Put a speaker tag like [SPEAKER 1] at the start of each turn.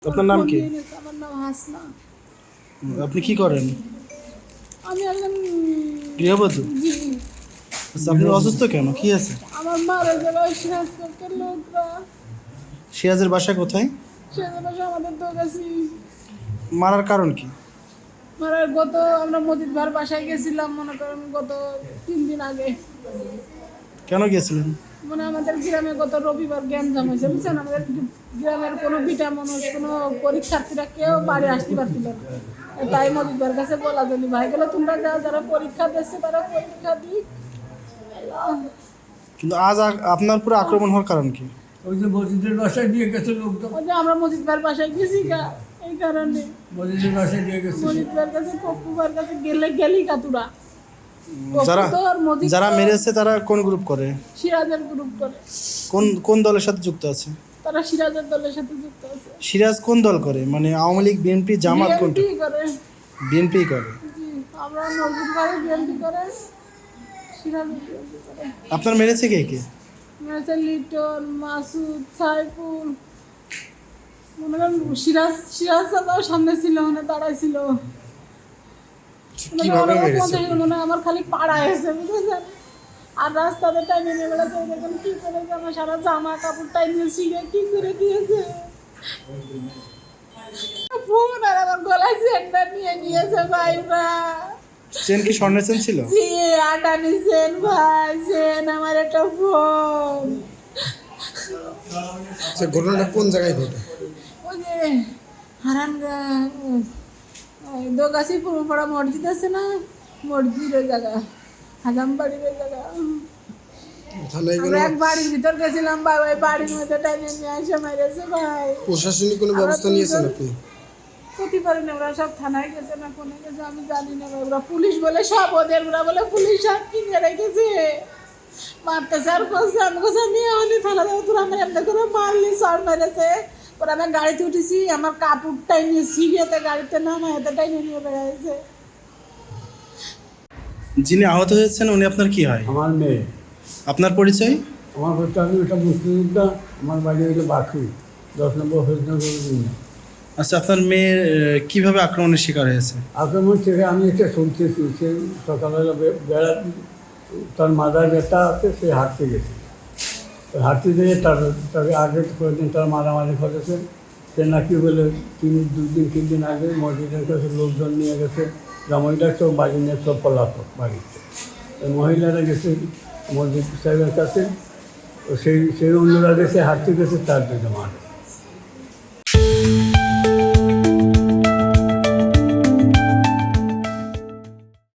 [SPEAKER 1] আপনার নাম কি?
[SPEAKER 2] আমার নাম হাসনা।
[SPEAKER 1] আপনি কি করেন?
[SPEAKER 2] আমি একজন
[SPEAKER 1] গৃহবধূ?
[SPEAKER 2] জি।
[SPEAKER 1] আচ্ছা, আপনি অসুস্থ কেন? কি আছে?
[SPEAKER 2] আমার মারা গেল স্বাস্থ্যের লোকরা।
[SPEAKER 1] সিরাজের বাসা কোথায়?
[SPEAKER 2] সেজন্য আমাদের দোকাছি
[SPEAKER 1] মারার কারণ কি?
[SPEAKER 2] মারার আমরা মজিদ ভার বাসায় গেছিলাম, মনে করেন গত 3 দিন আগে।
[SPEAKER 1] কেন গিয়েছিলেন?
[SPEAKER 2] মানে আমাদের গ্রামে গত রবিবার গ্যাঞ্জাম হয়েছে, বুঝছেন? আমাদের গ্রামের কোনো বিটা মানুষ, কোনো পরীক্ষার্থীরা কেউ বাড়ি আসতে পারছিল না। তাই মজিদবার কাছে বলা জানি ভাই গেলো, তোমরা যারা পরীক্ষা দিচ্ছে তারা পরীক্ষা দিক।
[SPEAKER 1] কিন্তু আজ আপনার পুরো আক্রমণ হওয়ার কারণ কি?
[SPEAKER 3] ওই যে মসজিদের বাসায় দিয়ে গেছে লোকজন।
[SPEAKER 2] ওই যে আমরা মজিদবার বাসায় গেছি গা, এই কারণে
[SPEAKER 3] মসজিদের বাসায় দিয়ে গেছে।
[SPEAKER 2] মজিদবার কাছে পপ্পুবার কাছে গেলি কাতুরা।
[SPEAKER 1] যারা মেরেছে তারা কোন গ্রুপ করে?
[SPEAKER 2] সিরাজের গ্রুপ করে।
[SPEAKER 1] কোন দলের সাথে যুক্ত আছে?
[SPEAKER 2] তারা সিরাজের দলের সাথে যুক্ত আছে।
[SPEAKER 1] সিরাজ কোন দল করে? মানে আওয়ামী লীগ, বিএনপি, জামাত কোনটা?
[SPEAKER 2] বিএনপি করে।
[SPEAKER 1] বিএনপি করে।
[SPEAKER 2] জি, আমরা মজিদবারে বিএনপি করে, সিরাজ বিএনপি করে।
[SPEAKER 1] আপনার মেরেছে কে কে?
[SPEAKER 2] মেরেছে লিটন, মাসুদ, সাইফুল। মনে করেন সিরাজ দাদাও সামনে ছিল, মানে দাঁড়াইছিল।
[SPEAKER 1] কিভাবে মেরেছে?
[SPEAKER 2] মনে হয় আমার খালি পাড়ায় এসে, বুঝেছেন? আর রাস্তাতে টাইমে নিয়ে বেড়াচ্ছে, দেখেন কি করেছে, আমার সারা জামা কাপড় টাইমে ছিঁড়ে কি করে দিয়েছে। ফোন আর আমার গলায় চেনটা নিয়ে নিয়েছে ভাইরা।
[SPEAKER 1] চেন কি স্বর্ণের চেন ছিল?
[SPEAKER 2] জি, আটানি চেন ভাই, চেন আমার একটা ফোন।
[SPEAKER 1] ঘটনাটা কোন জায়গায় ঘটে?
[SPEAKER 2] ওই যে হারান দোগাছি পূর্বপাড়া মসজিদ আছে না, মসজিদের জায়গা, হাজামবাড়ির ওই জায়গা। আমরা এক বাড়ির ভিতর গেছিলাম ভাই, ওই বাড়ির মধ্যে টাইমে নিয়ে আসে মেরেছে ভাই।
[SPEAKER 1] প্রশাসনিক কোনো ব্যবস্থা নিয়েছেন আপনি?
[SPEAKER 2] ক্ষতি পারেন, ওরা সব থানায় গেছে না কোনে গেছে আমি জানি না। ওরা পুলিশ বলে সব ওদের, ওরা বলে পুলিশ সব কিনে রেখেছে, মারতেছে আর করছে। আমি কোথাও নিয়ে হলি থানা দেবো, তোরা আমার এমনি করে মারলি, সর মেরেছে। ওরা আমি গাড়িতে উঠেছি, আমার কাপড়টাই নিয়ে সিরিয়াতে গাড়িতে নামায় এতটাই নিয়ে বেড়াইছে।
[SPEAKER 1] যিনি আহত হয়েছেন উনি আপনার কি হয়?
[SPEAKER 3] আমার মেয়ে।
[SPEAKER 1] আপনার পরিচয়?
[SPEAKER 3] আমার হচ্ছে, আমি ওটা মুক্তিযোদ্ধা। আমার বাড়ি হলো বাঁকুড়ি, 10 নম্বর হরিণগর।
[SPEAKER 1] আচ্ছা, আপনার মেয়ে কিভাবে আক্রমণের শিকার হয়েছে?
[SPEAKER 3] আক্রমণ থেকে আমি এটা শুনতেছি, সে সকালবেলা বেড়া, তার মাদার ব্যথা আছে, সে হাঁটতে গেছে। হাঁটতে যেয়ে তাকে আগে কয়েকদিন তার মারামারি করেছে। সে নাকি বলে 2 দিন 3 দিন আগে মসজিদের কাছে লোকজন নিয়ে গেছে, জামাইটা সব বাড়ি নিয়ে সব পলাতক বাড়িতে। মহিলারা গেছে মসজিদ সাহেবের কাছে, সেই অন্যরা গেছে, হাঁটতে গেছে, তার দিকে মারে।